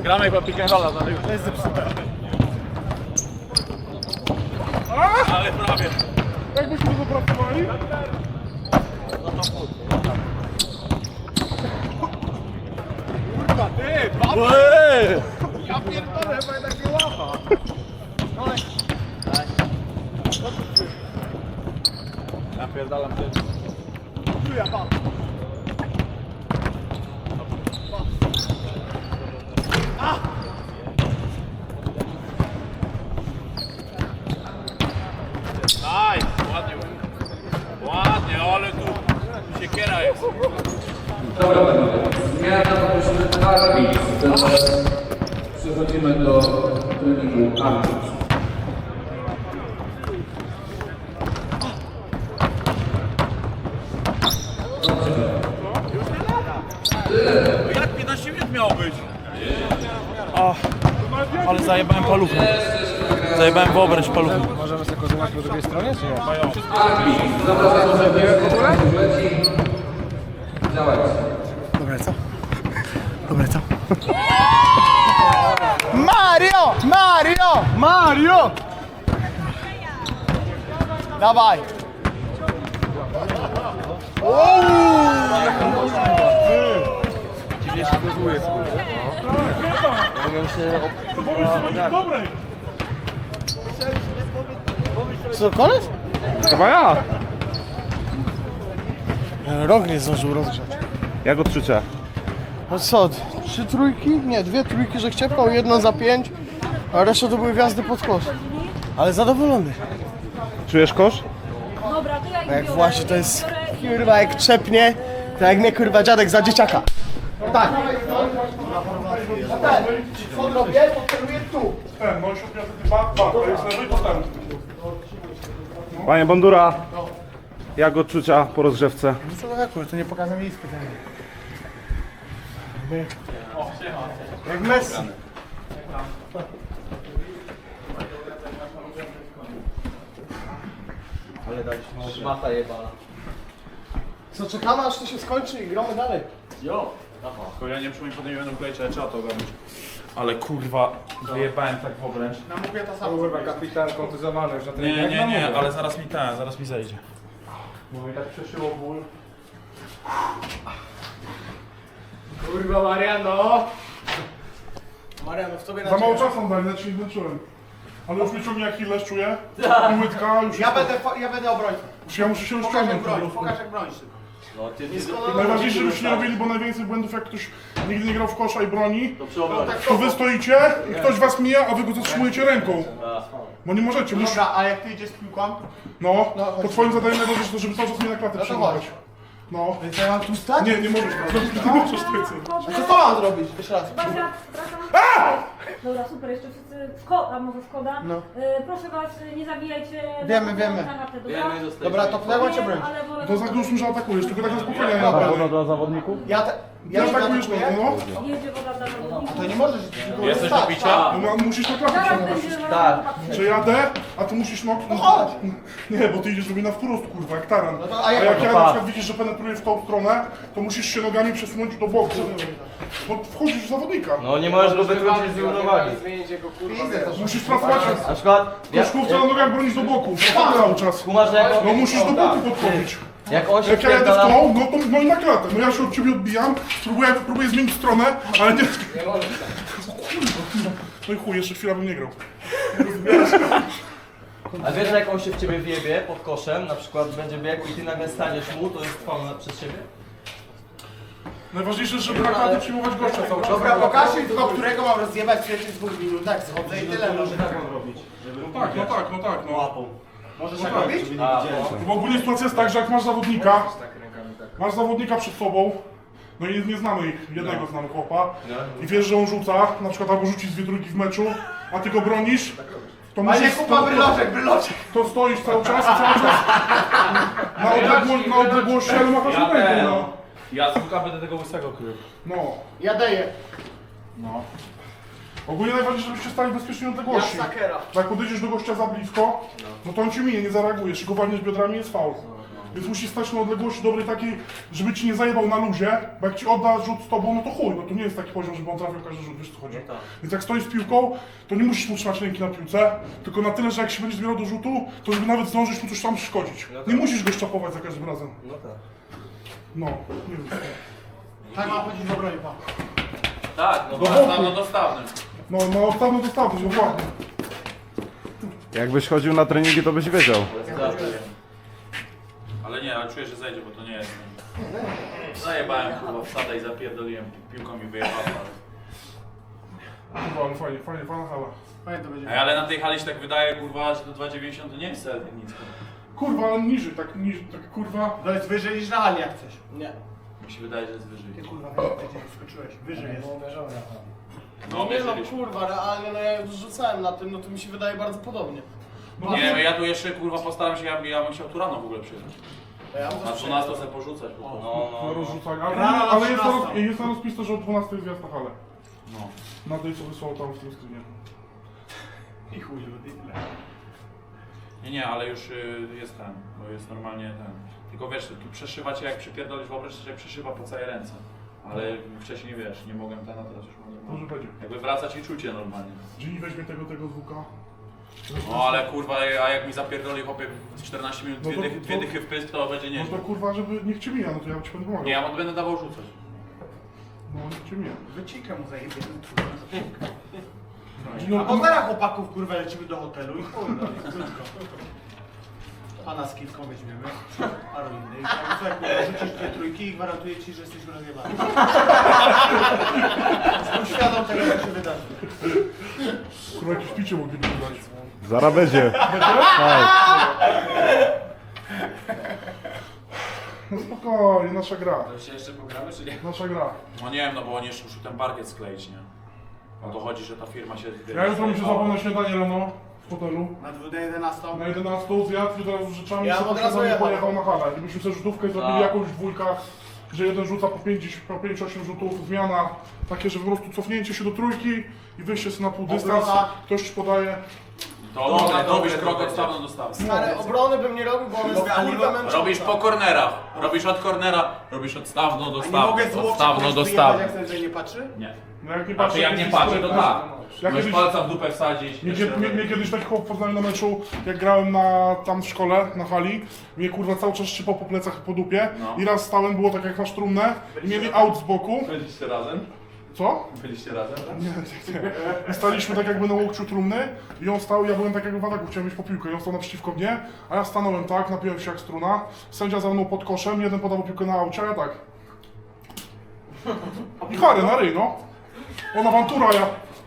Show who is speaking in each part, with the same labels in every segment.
Speaker 1: Gramy chyba pick and rolla, to jest zepsute. Ale prawie.
Speaker 2: Jak byśmy go pracowali?
Speaker 1: Kurwa, ty! Ja pierdolę, chyba jednak nie łapa. Napierdalam ty. Tu ja pan. Nice, ładnie. Ładnie, ale tu siekiera jest.
Speaker 3: Dobra, zmiana poprosimy arbitr. Teraz przechodzimy do treningu arbitr.
Speaker 1: Jak 15 minut miało być?
Speaker 4: Ale zajebałem paluchem. Zajebałem w obręcz paluchem.
Speaker 2: Możemy sobie kozować po drugiej stronie, czy nie?
Speaker 3: Arbitr. Zapraszam do leci. Działajcie.
Speaker 2: Dobre, co? Dobre, co? Mario! Mario! Mario! Dawaj! Dziwnie się gozuje, co, koniec?
Speaker 5: Chyba ja.
Speaker 2: Rok nie zdążył rozgrzać.
Speaker 5: Jak odczucia?
Speaker 2: No co, 3 trójki? Nie, 2 trójki, że chciepał, jedna za 5, a reszta to były wjazdy pod kosz. Ale zadowolony.
Speaker 5: Czujesz kosz?
Speaker 6: Dobra, to ja ich
Speaker 2: Jak
Speaker 6: biorę.
Speaker 2: właśnie to jest, kurwa, jak trzepnie, to jak mnie, kurwa, dziadek za dzieciaka. Tak. Co robię? Podceluję tu. Ten, no i szukam dwa, to jest lewy, to ten.
Speaker 5: Panie Bandura, jak odczucia po rozgrzewce?
Speaker 2: Co za to nie pokażę miejsca. Jak Messi.
Speaker 1: Szmata jebana.
Speaker 2: Co, czekamy aż to się skończy i gramy dalej.
Speaker 1: Jo.
Speaker 4: Tylko ja nie przypomnę, potem nie będę wklejać, ale trzeba to ogarnąć. Ale kurwa, wyjebałem tak w obręcz.
Speaker 2: Namówię to samo.
Speaker 5: Kurwa, kapitan kontuzowany już na
Speaker 4: Nie, ale zaraz mi zejdzie. Bo mi tak przeszyło ból.
Speaker 2: Kurwa, Mariano. Mariano, w tobie
Speaker 7: Za mało czasu dali, znaczy nie czułem. Ale już mnie ciągnie jak Hilles czuję. I łydka już.
Speaker 2: Ja będę obrońcą.
Speaker 7: Ja muszę się rozciągnąć.
Speaker 2: Pokaż jak bronisz.
Speaker 7: Najważniejsze, żebyście nie robili, bo najwięcej błędów jak ktoś nigdy nie grał w kosza i broni, to wy stoicie i ktoś was mija, a wy go zatrzymujecie ręką. Bo nie możecie,
Speaker 2: Dobra, a jak ty idziesz z piłką?
Speaker 7: no, to twoim zadaniem najważniejsze to, żeby cały czas mnie na klatę przyjmować. No.
Speaker 2: Więc ja mam tu stać?
Speaker 7: Nie, nie możesz, nie możesz tego.
Speaker 2: A co mam zrobić? Jeszcze raz.
Speaker 6: Basia, wracam. Dobra, super, jeszcze wszyscy a może Skoda.
Speaker 2: No.
Speaker 6: Proszę was, nie zabijajcie.
Speaker 2: Wiemy. Dobra, to pnęło cię broń.
Speaker 7: To zagłusmy, że atakujesz, tylko tak na spokojnie nie
Speaker 4: Woda
Speaker 7: naprawdę.
Speaker 4: dla zawodników?
Speaker 2: Ja
Speaker 7: Nie atakujesz,
Speaker 2: atakuję?
Speaker 7: no.
Speaker 6: Jedzie woda dla zawodników.
Speaker 2: To nie możesz.
Speaker 4: Jesteś do picia?
Speaker 7: No, musisz na klatę
Speaker 6: Zaraz
Speaker 7: przyjmować.
Speaker 6: będzie
Speaker 2: Tak.
Speaker 7: Że jadę, a ty musisz no
Speaker 2: chodź.
Speaker 7: Nie, bo ty idziesz sobie na wprost, kurwa, jak taran.
Speaker 2: to-
Speaker 7: A
Speaker 2: a
Speaker 7: jak
Speaker 2: jak-
Speaker 7: ja na przykład widzisz, że penetruję w tą stronę, to musisz się nogami przesunąć do boku. Bo wchodzisz w zawodnika.
Speaker 8: No nie możesz go wytrącić z równowagi.
Speaker 7: Musisz pracować,
Speaker 8: Na przykład,
Speaker 7: koszkówce na nogach bronić do boku. Cały czas.
Speaker 8: kumasz, że
Speaker 7: No musisz do boku podchodzić.
Speaker 8: jak on się
Speaker 7: Jak ja jadę w
Speaker 8: wpierdala...
Speaker 7: tą, no to no i na klatę. No ja się od ciebie odbijam, próbuję zmienić stronę, ale nie... Kurwa. No i chuj, jeszcze chwila bym nie grał.
Speaker 8: A wiesz, że jak on się w ciebie wjebie pod koszem, na przykład będzie biegł i ty nagle staniesz mu, to jest faul przez siebie?
Speaker 7: Najważniejsze, żeby na klatę przyjmować gościa cały czas.
Speaker 2: Dobra, pokaż mi tylko, którego mam rozjebać w pierwszych 2 minutach. Schodzę i tyle.
Speaker 7: No tak, no.
Speaker 2: Możesz tak robić?
Speaker 7: Bo ogólnie sytuacja jest tak, że jak masz zawodnika przed sobą, no i nie znamy ich, jednego znamy chłopa, i wiesz, że on rzuca, na przykład albo rzuci z 2 trójki w meczu, a ty go bronisz, to
Speaker 2: Panie
Speaker 7: musisz...
Speaker 2: Kuba, bryloczek.
Speaker 7: To stoisz cały czas na odległości, ale machasz ręką, no.
Speaker 4: Ja z łuka będę tego łysego krył.
Speaker 7: No.
Speaker 2: Ja daję.
Speaker 7: Ogólnie najważniejsze, żebyście stali w bezpiecznej odległości. Jak podejdziesz do gościa za blisko, no to on ci minie, nie zareagujesz, go walniesz biodrami, jest faul. Więc musisz stać na odległości dobrej takiej, żeby ci nie zajebał na luzie, bo jak ci odda rzut z tobą, no to chuj, no to nie jest taki poziom, żeby on trafił każdy rzut, wiesz co chodzi. Więc jak stoisz z piłką, to nie musisz mu trzymać ręki na piłce, tylko na tyle, że jak się będziesz zbierał do rzutu, to żeby nawet zdążyć mu coś tam przeszkodzić. Nie musisz go szczapować za każdym razem.
Speaker 8: No tak.
Speaker 7: No, nie wiem.
Speaker 2: Tak ma chodzić w obronie, pa.
Speaker 4: Tak, no dostawnym.
Speaker 7: No, dostawność, dokładnie.
Speaker 5: Jakbyś chodził na treningi, to byś wiedział.
Speaker 4: Ale nie, ale czuję, że zejdzie, bo to nie jest. Zajebałem kurwa wsadę i zapierdoliłem, piłką mi wyjechała.
Speaker 7: Kurwa, ale fajnie, fajna hala.
Speaker 2: Fajnie to będzie.
Speaker 4: Ej, ale na tej hali się tak wydaje, kurwa, że to 2,90 to nie jest wcale nic.
Speaker 7: Kurwa, ale niżej, tak kurwa.
Speaker 2: To jest wyżej niż na hali jak chcesz. Nie.
Speaker 4: Mi się wydaje, że jest wyżej.
Speaker 2: Kurwa, gdzie skoczyłeś? Wyżej jest.
Speaker 4: No
Speaker 2: Nie no,
Speaker 4: mierzyliśmy.
Speaker 2: kurwa, realnie, no ja już rzucałem na tym, no to mi się wydaje bardzo podobnie.
Speaker 4: Nie, no ja tu jeszcze kurwa postaram się, ja bym chciał tu rano w ogóle przyjechać.
Speaker 2: Ja
Speaker 4: Na 12 sobie porzucać po prostu.
Speaker 7: Na rozrzucanie. Ale,
Speaker 2: Rano na
Speaker 7: ale jest,
Speaker 2: 13.
Speaker 7: jest na rozpisce, że o 12 jest wjazd na halę.
Speaker 4: No.
Speaker 7: Na tej, co wysłał tam w tym screenie.
Speaker 2: I chuj, tyle.
Speaker 4: Nie, ale już jest ten, bo jest normalnie ten. Tylko wiesz, tu przeszywa cię jak przypierdolisz, wyobraź sobie, że przeszywa po całej ręce. Ale wcześniej wiesz, nie mogłem ten, a teraz już mogę.
Speaker 7: Może będzie.
Speaker 4: Jakby wracać i czucie normalnie.
Speaker 7: Ginny weźmie tego zwuka.
Speaker 4: No ale kurwa, a jak mi zapierdoli chłopie w 14 minut
Speaker 7: No to-
Speaker 4: dwie dychy w pysk, to będzie
Speaker 7: No
Speaker 4: nieźle.
Speaker 7: to kurwa, żeby niech cię mija, no to ja ci będę pomagał.
Speaker 4: Nie, ja będę dawał rzucać.
Speaker 7: No niech cię mija.
Speaker 2: Wycikę mu zajebie.
Speaker 7: No,
Speaker 2: A zaraz chłopaków kurwa lecimy do hotelu i chuj, no i krótko. Pana z kilką weźmiemy, paru innych. A słuchaj, kurwa, rzucisz 2 trójki i gwarantuję ci, że jesteś rozjebany. Jestem świadom tego, co się wydarzy.
Speaker 7: kurwa, jakieś picie mogliby dać.
Speaker 5: Zaraz będzie.
Speaker 7: No spokojnie, nasza gra.
Speaker 4: To się jeszcze pogramy, czy nie?
Speaker 7: Nasza gra.
Speaker 4: No nie wiem, no bo oni jeszcze muszą ten parkiet skleić, nie? O to chodzi, że ta firma się...
Speaker 7: Ja jutro muszę zapomnieć na śniadanie rano w hotelu.
Speaker 2: Na 11.
Speaker 7: Na 11 zjadł i teraz z rzeczami
Speaker 2: Ja
Speaker 7: sobie
Speaker 2: od razu
Speaker 7: nie
Speaker 2: jechał.
Speaker 7: pojechał na halę. Gdybyśmy sobie rzutówkę zrobili
Speaker 4: Tak.
Speaker 7: jakąś w dwójkach, że jeden rzuca po 5-8 rzutów, zmiana, takie, że po prostu cofnięcie się do trójki i wyjście sobie na pół dystans,
Speaker 2: Obrona.
Speaker 7: ktoś ci podaje.
Speaker 4: To robisz krok odstawną do stawną.
Speaker 2: Stary, obrony bym nie robił, bo on jest kurwa męcząca.
Speaker 4: Robisz po kornerach, robisz od kornera, robisz odstawną do
Speaker 2: A nie
Speaker 4: stawną,
Speaker 2: mogę z łokcia
Speaker 4: odstawną
Speaker 2: kogoś
Speaker 4: do
Speaker 2: wyjebać,
Speaker 4: stawną.
Speaker 2: jak ten, że nie patrzy?
Speaker 4: Nie.
Speaker 7: No jak nie
Speaker 4: A ty jak nie
Speaker 7: jakiś
Speaker 4: patrzy, to
Speaker 7: pistolet,
Speaker 4: tak.
Speaker 7: Ja
Speaker 4: Możesz
Speaker 7: kiedyś,
Speaker 4: palca w dupę wsadzić.
Speaker 7: mnie kiedyś taki chłop poznał na meczu, jak grałem tam w szkole, na hali, mnie kurwa cały czas szczypał po plecach i po dupie
Speaker 4: No.
Speaker 7: i raz stałem, było tak jak masz trumnę i mieli aut z boku.
Speaker 4: Byliście razem?
Speaker 7: Co?
Speaker 4: Byliście razem?
Speaker 7: Nie. I staliśmy tak jakby na łokciu trumny i on stał, ja byłem tak jakby w ataku, chciałem mieć po piłkę i on stał naprzeciwko mnie, a ja stanąłem tak, napiłem się jak struna, sędzia za mną pod koszem, jeden podał piłkę na aucie, a ja tak. I karę na ryj, no. On awantura, ja.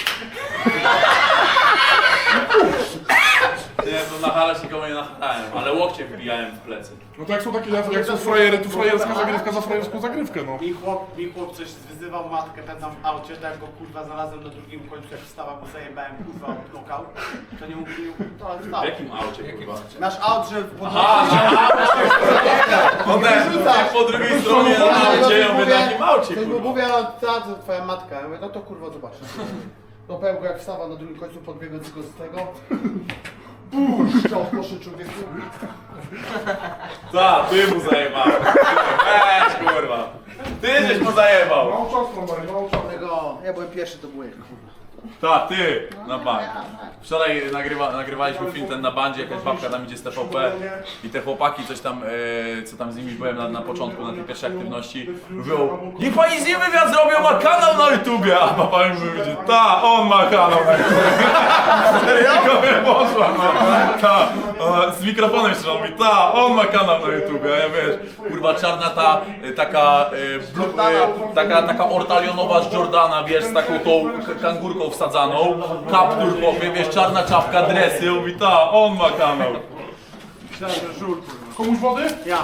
Speaker 4: Nie, to na halę się nikogo nie nachalałem, ale łokcie wbijałem w plecy.
Speaker 7: No to jak są takie, jak są frajery, to frajerska zagrywka za frajerską zagrywkę, no.
Speaker 2: Mi chłop coś wyzywał matkę ten tam w aucie, tak jak go kurwa znalazłem na drugim końcu, jak wstała, bo zajebałem kurwa od lokał, to nie mógł, to ale
Speaker 4: W
Speaker 2: wstał.
Speaker 4: jakim aucie, kurwa?
Speaker 2: Nasz aut, że pod
Speaker 4: Po drugiej stronie na aucie, ja mówię, na jakim aucie,
Speaker 2: Ktoś mu
Speaker 4: kurwa?
Speaker 2: mówi, a twoja matka, ja mówię, no to kurwa zobacz. No powiem go jak wstawa na drugim końcu, podbiegłem tylko z tego. Strzał w koszy człowieku.
Speaker 4: Ta, ty mu zajebałeś. Weź, kurwa. Ty żeś mu zajebał.
Speaker 7: Mało czasu, no mało czasu.
Speaker 2: Tego, ja byłem pierwszy, to byłem.
Speaker 4: Ta, ty, na bank. Wczoraj nagrywaliśmy film ten na bandzie, jakaś babka tam idzie z TVP i te chłopaki coś tam, co tam z nimi byłem na początku, na tej pierwszej aktywności, mówią: niech pani z nim wywiad zrobią, ma kanał na YouTubie, a papa mi mówi: ta, on ma kanał na YouTubie. Tylko mnie poszła, no. Ta, z mikrofonem jeszcze on mówi: ta, on ma kanał na YouTubie, a ja wiesz, kurwa czarna ta, taka ortalionowa z Jordana, wiesz, z taką tą kangurką wsadzaną, kaptur chłopie, wiesz, czarna czapka, dresy, on mówi: ta, on ma kanał.
Speaker 2: Myślałem, że żur kurwa.
Speaker 7: Komuś wody?
Speaker 2: Ja.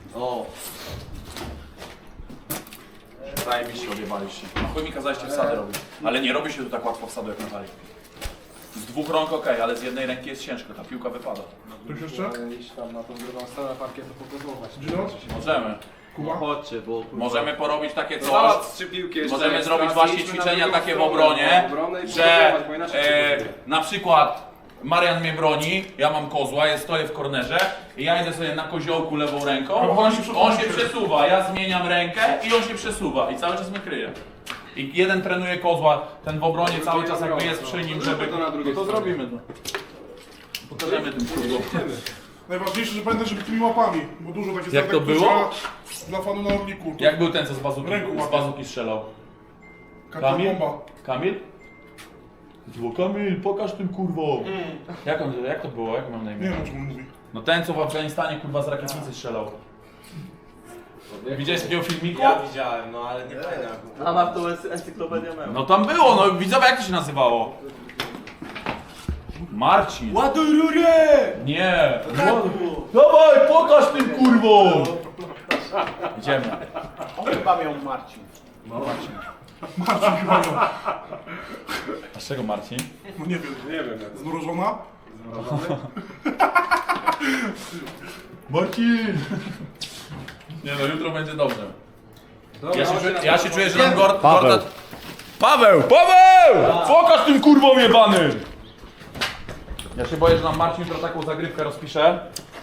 Speaker 4: Zajebiście odjebaliście. Na chuj mi kazaliście wsady robić. Ale nie robi się tu tak łatwo wsadu jak na hali. Z dwóch rąk okej, ale z jednej ręki jest ciężko, ta piłka wypada.
Speaker 7: Ktoś jeszcze?
Speaker 8: Iść tam na tą drugą stronę parkietu pokazować.
Speaker 7: Gino?
Speaker 4: Możemy.
Speaker 7: Kuba?
Speaker 8: Chodźcie, bo...
Speaker 4: Możemy porobić takie coś.
Speaker 8: Załatw 3 piłki jeszcze.
Speaker 4: Możemy zrobić właśnie ćwiczenia takie w obronie, że na przykład Marian mnie broni, ja mam kozła, ja stoję w kornerze i ja idę sobie na koziołku lewą ręką,
Speaker 7: Ale
Speaker 4: on się przesuwa, ja zmieniam rękę i on się przesuwa i cały czas mnie kryje. I jeden trenuje kozła, ten w obronie cały czas jakby jest przy nim, żeby... No to zrobimy to. Pokażemy tym kurwom.
Speaker 7: Najważniejsze, że pamiętaj, żeby tymi łapami, bo dużo takich
Speaker 4: Jak to było?
Speaker 7: Dla fanu na Orliku. To
Speaker 4: Jak był ten, co z
Speaker 7: Ręką łapie.
Speaker 4: bazuki strzelał?
Speaker 7: Kamil? Bomba.
Speaker 4: Kamil? Kamil, pokaż tym kurwom. Jak to było? Jak mam na
Speaker 7: Nie
Speaker 4: imię?
Speaker 7: wiem, o czym on mówi.
Speaker 4: No ten, co w Afganistanie kurwa z rakietnicy strzelał. Widziałeś takiego filmiku?
Speaker 8: Ja widziałem, no ale nie pamiętam. A ma to jest encyklopedia memu.
Speaker 4: No tam było, no widzowie, jak to się nazywało? Marcin.
Speaker 8: Ładuj rurę!
Speaker 4: Nie. Dawaj, pokaż tym kurwom. Idziemy.
Speaker 2: On chyba miał Marcin.
Speaker 7: Marcin chyba miał.
Speaker 4: A z czego Marcin?
Speaker 7: No nie wiem. Zmrożona?
Speaker 4: Marcin! Nie no, jutro będzie dobrze. Ja się czuję, że nam Gortat... Paweł! Pokaż tym kurwom jebany! Ja się boję, że nam Marcin jutro taką zagrywkę rozpisze,